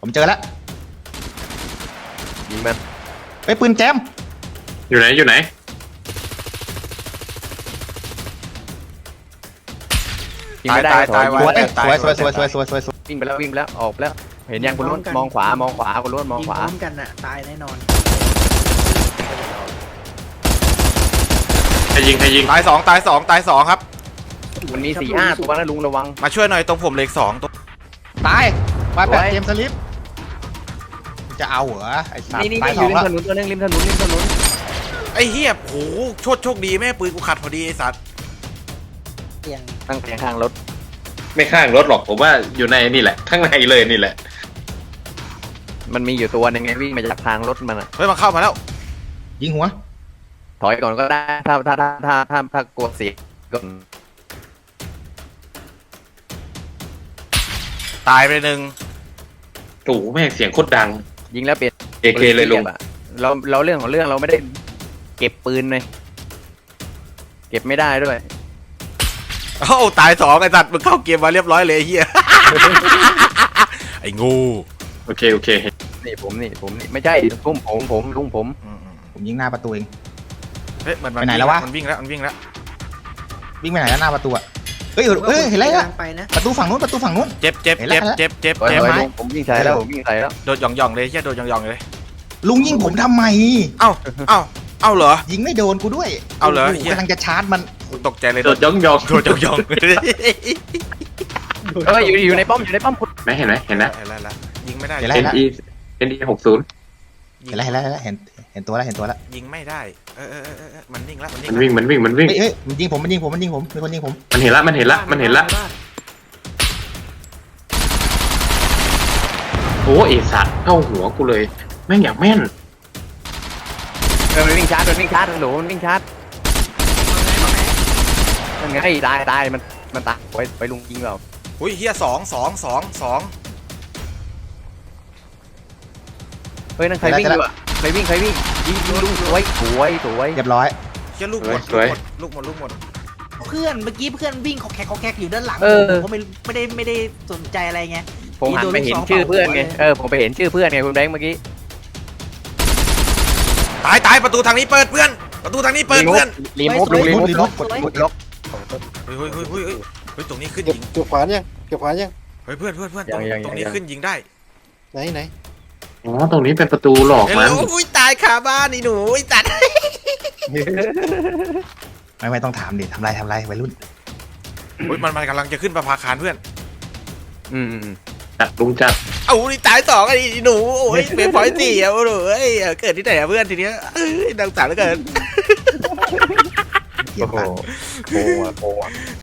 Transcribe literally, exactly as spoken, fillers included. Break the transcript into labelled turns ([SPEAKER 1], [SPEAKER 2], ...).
[SPEAKER 1] ผมเจอแล้ว
[SPEAKER 2] ยิงมัน
[SPEAKER 1] ไอ้ปืนแจม
[SPEAKER 3] อยู่ไหนอยู่ไหน
[SPEAKER 2] ยิงไม่ได้ตาย
[SPEAKER 1] สวยสวยสวยสวยสวยสวยสวยสวย
[SPEAKER 2] วิ่งไปแล้ววิ่งไปแล้วออกไปแล้วเห็นยังคุณล้วนมองขวามองขวาคุณล้วนมองขวา
[SPEAKER 4] พร้อมกันน่ะตายแน่นอน
[SPEAKER 3] ใครยิงใครยิง
[SPEAKER 5] ตายสองตายสองตายสองครับ
[SPEAKER 2] มันมีสี่ห้าตัวนะลุงระวัง
[SPEAKER 5] มาช่วยหน่อยตรงผมเหล็กสองตัว
[SPEAKER 1] ตายมาแปด
[SPEAKER 2] สวย
[SPEAKER 1] เจมส์สลิปจะเอาเหรอไอ้สัต
[SPEAKER 2] นี่
[SPEAKER 1] ว์
[SPEAKER 2] นี่
[SPEAKER 1] ตาย
[SPEAKER 2] อ
[SPEAKER 1] สอยู่ ง
[SPEAKER 2] ริม
[SPEAKER 1] แล้ว
[SPEAKER 2] ถนนตัวนึงริมถนนริมถนน
[SPEAKER 5] ไอ้เฮียโหโชคโชคดีแม่ปืนกูขัดพอดีไอ้สัตว์
[SPEAKER 4] เตียง
[SPEAKER 2] ตั้งแผงข้างรถ
[SPEAKER 3] ไม่ข้างรถหรอกผมว่าอยู่ในนี่แหละข้างในเลยนี่แหละ
[SPEAKER 2] มันมีอยู่ตัวนึงไงวิ่งมาจากทางรถมันอะ
[SPEAKER 5] เฮ้ยมาเข้ามาแล้ว
[SPEAKER 1] ยิงหัว
[SPEAKER 2] ถอยก่อนก็ได้ถ้าถ้าถ้าถ้าถ้าถ้ากลัวเสียก่อน
[SPEAKER 5] ตายไปหนึ่ง
[SPEAKER 3] โอ้โหแม่งเสียงโคตรดัง
[SPEAKER 2] ยิงแล้วเปลี่ยน
[SPEAKER 3] เอเคเลยลุง
[SPEAKER 2] เราเราเรื่องของเรื่องเราไม่ได้เก็บปืนเลยเก็บไม่ได้ด้วย
[SPEAKER 5] โอ้ตายสองไอ้สัตว์มึงเข้าเกมมาเรียบร้อยเลยไอ้เฮีย ไอ้งู
[SPEAKER 3] โอเคโอเค
[SPEAKER 2] นี่ผมนี่ผมนี่ไม่ใช่ผมผมผมลุงผม
[SPEAKER 5] อืมอืม
[SPEAKER 1] ผมยิงหน้าประตูเอง
[SPEAKER 5] เฮ้ยมันมั
[SPEAKER 1] ไปไหนแล้ววะ
[SPEAKER 5] มันวิ่งแล้วมันวิ่งแล้ว
[SPEAKER 1] วิ่งไปไหนแล้วหน้าประตูอะเฮ้ยเฮ้ยเห็นแล้ว
[SPEAKER 4] กำลังไปนะ
[SPEAKER 1] ประตูฝั่งนู้นประตูฝั่งนู้น
[SPEAKER 5] เจ็บเจ็บ
[SPEAKER 1] เห็นแล้
[SPEAKER 5] เจ็
[SPEAKER 1] ว
[SPEAKER 5] บเจ็บเจ็บ
[SPEAKER 2] ถอย
[SPEAKER 5] เจ็บ
[SPEAKER 2] ถอย
[SPEAKER 1] ไม้
[SPEAKER 2] ลุงผมยิงใส่แล้วผมยิงใส่แล้ว
[SPEAKER 5] โดดหย่องหย่องเลยเฮียโดดหย่องหย่องเลย
[SPEAKER 1] ลุงยิงผมทำไม
[SPEAKER 5] เอ้าเอ้าเอ้าเหรอ
[SPEAKER 1] ยิงไม่โดนกูด้วย
[SPEAKER 5] เอาเหรอ
[SPEAKER 1] โโกำลังจะชาร์จมัน
[SPEAKER 5] ตกใจเลย
[SPEAKER 3] โดดย่องย่อง
[SPEAKER 5] โดดหย่องหย่อง
[SPEAKER 2] เอออยู่อยู่ในป้อมอยู่ในป้อมคุณ
[SPEAKER 3] ไหมเห็นไหมเห็นนะ
[SPEAKER 5] เห็นแล้วละยิงไม่ได้
[SPEAKER 1] เห็นแล้ว
[SPEAKER 3] เอ็นอีเอ็นอีหกศูนย์
[SPEAKER 1] เห็นแล้วเห็นแล้วเห็นแล้วเห็นเห็นตัวแล้วเห็นตัวแล้ว
[SPEAKER 5] ยิงไม่ได้เออเออเออเออมันนิ่งแล้วมันนิ่ง
[SPEAKER 3] มันวิ่งมันวิ่งมันวิ่ง
[SPEAKER 1] เฮ้ยเฮ้ยมันยิงผมมันยิงผมมันยิงผมมีคนยิงผม
[SPEAKER 3] มันเห็นละมันเห็นละมันเห็นละโอ้เอสัตว์เข้าหัวกูเลยแม่งอยากแม่น
[SPEAKER 2] เออมันวิ่งชาร์จมันวิ่งชาร์จหนูมันวิ่งชาร์จมันไงตายตายมันมันตายไปไปลุงยิงเรา
[SPEAKER 5] อุ้ยเฮียสองสองสองสอง
[SPEAKER 2] เฮ้ยนั่นใครวิ่งอยู่อะใครวิ่งใครวิ่งยิงยิงลุงสวยสวยสวย
[SPEAKER 1] เรียบร้อย
[SPEAKER 5] เฮียลูกหมดลูกหมดลูกหมดลูกหมด
[SPEAKER 4] เพื่อนเมื่อกี้เพื่อนวิ่งขอแขกขอแขกอยู่ด้านหลัง
[SPEAKER 2] เออ
[SPEAKER 4] ผมก็ไม่ไม่ได้ไม่ได้สนใจอะไรไง
[SPEAKER 2] ผมหันไปเห็นชื่อเพื่อนไงเออผมไปเห็นชื่อเพื่อนไงคุณแบงค์เมื่อกี้
[SPEAKER 5] ตายตายประตูทางนี้เปิดเพื่อนประตูทางนี้เปิดเพื่อน
[SPEAKER 2] รีโมทลุงรีโมทล็อกกดล็อก
[SPEAKER 5] เฮ้ยเฮ้ยเฮ้ยเฮ้ยเฮ้ยเฮ้ยตรงนี้ขึ้น
[SPEAKER 6] เก็บ
[SPEAKER 5] ยิง
[SPEAKER 6] เก็บขวานยังเก็บขวานยัง
[SPEAKER 5] เฮ้ยเพื่อนเพื่อนเพื่อนตรงตรงนี้ขึ้นยิงได้
[SPEAKER 6] ไหนไหน
[SPEAKER 3] อ๋อตรงนี้เป็นประตูหลอก
[SPEAKER 5] เฮ้ย
[SPEAKER 3] มัน
[SPEAKER 5] อุ้ยตายคาบ้านนี่หนูไอ้ตัด
[SPEAKER 1] ไม่ไม่ต้องถามดิทำไรทำไรวัยรุ่น
[SPEAKER 5] อุ้ยมันมันกำลังจะขึ้นประภาคารเพื่อน
[SPEAKER 2] อืม
[SPEAKER 3] จัดลุงจัด
[SPEAKER 5] เอ้านี่ตายสองไอ้หนูโอ้ยเป็นพอยสี่อ่ะหนูเอ้ยเกิดที่ไหนอะเพื่อนทีเนี้ยเอ้ยดังสารเหลือเกิน
[SPEAKER 1] เกีย
[SPEAKER 2] โอ้
[SPEAKER 1] ร์
[SPEAKER 2] โห
[SPEAKER 1] ตัด
[SPEAKER 2] โกงอ่ะโกงอ่ะ